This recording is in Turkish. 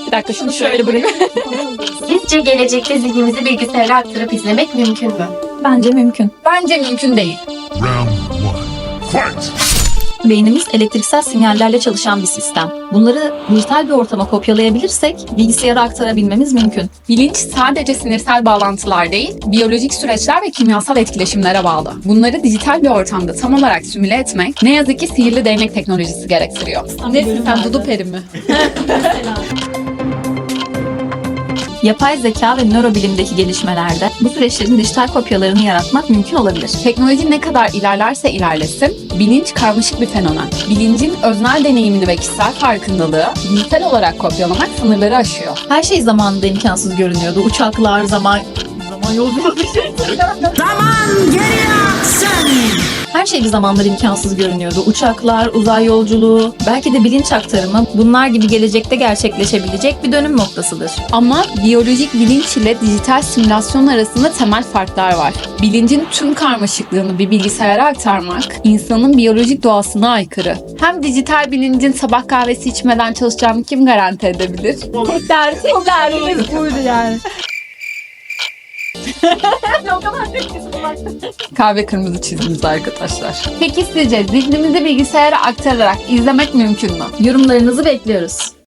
Bir dakika şunu şöyle bırakayım. Sizce gelecekte zihnimizi bilgisayara aktarıp izlemek mümkün mü? Bence mümkün. Bence mümkün değil. Round one. Fight! Beynimiz elektriksel sinyallerle çalışan bir sistem. Bunları dijital bir ortama kopyalayabilirsek bilgisayara aktarabilmemiz mümkün. Bilinç sadece sinirsel bağlantılar değil, biyolojik süreçler ve kimyasal etkileşimlere bağlı. Bunları dijital bir ortamda tam olarak simüle etmek ne yazık ki sihirli değnek teknolojisi gerektiriyor. Nesin sen, Dudu Peri mi? Yapay zeka ve nörobilimdeki gelişmelerde bu süreçlerin dijital kopyalarını yaratmak mümkün olabilir. Teknoloji ne kadar ilerlerse ilerlesin, bilinç karmaşık bir fenomen. Bilincin öznel deneyimini ve kişisel farkındalığı dijital olarak kopyalamak sınırları aşıyor. Her şey zamanında imkansız görünüyordu. Uçaklar, zaman yolculuğu. Her şey bir zamanlar imkansız görünüyordu. Uçaklar, uzay yolculuğu, belki de bilinç aktarımı bunlar gibi gelecekte gerçekleşebilecek bir dönüm noktasıdır. Ama biyolojik bilinç ile dijital simülasyon arasında temel farklar var. Bilincin tüm karmaşıklığını bir bilgisayara aktarmak, insanın biyolojik doğasına aykırı. Hem dijital bilincin sabah kahvesi içmeden çalışacağını kim garanti edebilir? Tek derdimiz buydu yani. Kahve kırmızı çizgimiz arkadaşlar. Peki sizce zihnimizi bilgisayara aktararak izlemek mümkün mü? Yorumlarınızı bekliyoruz.